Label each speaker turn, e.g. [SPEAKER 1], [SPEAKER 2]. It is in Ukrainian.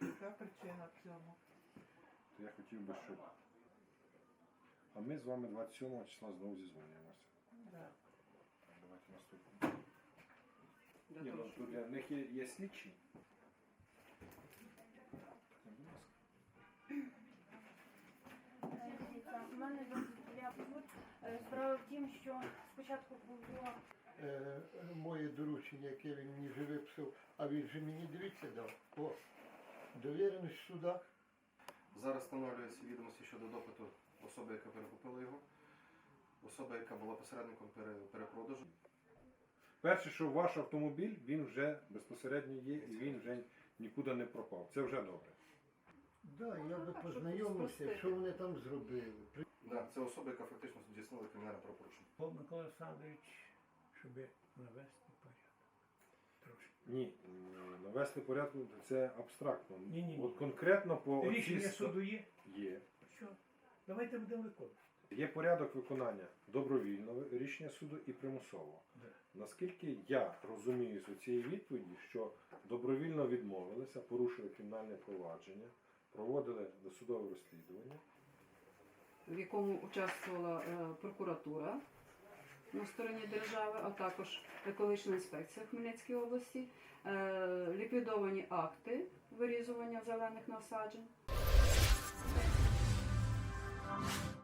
[SPEAKER 1] Яка причина в цьому?
[SPEAKER 2] То я хотів би, щоб. А ми з вами 27 числа знову зізвонюємося.
[SPEAKER 1] Да.
[SPEAKER 2] Давайте наступне. Ні, ну, тут для них є слідчі. Будь ласка.
[SPEAKER 3] Дивіться, у мене справа в тім, що спочатку було
[SPEAKER 4] моє доручення, яке він мені вже виписав, а він же мені, дивіться, дав. О, довіреність в судах.
[SPEAKER 5] Зараз встановлюються відомості щодо допиту особи, яка перекупила його, особа, яка була посередником перепродажу.
[SPEAKER 2] Перше, що ваш автомобіль, він вже безпосередньо є і він вже нікуди не пропав. Це вже добре.
[SPEAKER 4] Да, я би познайомився, що вони там зробили.
[SPEAKER 5] Да, це особа, яка фактично здійснила кримінальне правопорушення.
[SPEAKER 6] Микола Олександрович, щоб навести порядок. Трошки.
[SPEAKER 2] Ні, навести порядку це абстрактно.
[SPEAKER 6] Ні.
[SPEAKER 2] От конкретно по
[SPEAKER 6] Рішення
[SPEAKER 2] оцій
[SPEAKER 6] суду є?
[SPEAKER 2] є.
[SPEAKER 6] Що? Давайте будемо виконувати.
[SPEAKER 2] Є порядок виконання добровільного рішення суду і примусового.
[SPEAKER 6] Да.
[SPEAKER 2] Наскільки я розумію з цієї відповіді, що добровільно відмовилися, порушили кримінальне провадження, проводили досудове розслідування.
[SPEAKER 7] В якому участвувала прокуратура на стороні держави, а також екологічна інспекція в Хмельницькій області, ліквідовані акти вирізування зелених насаджень.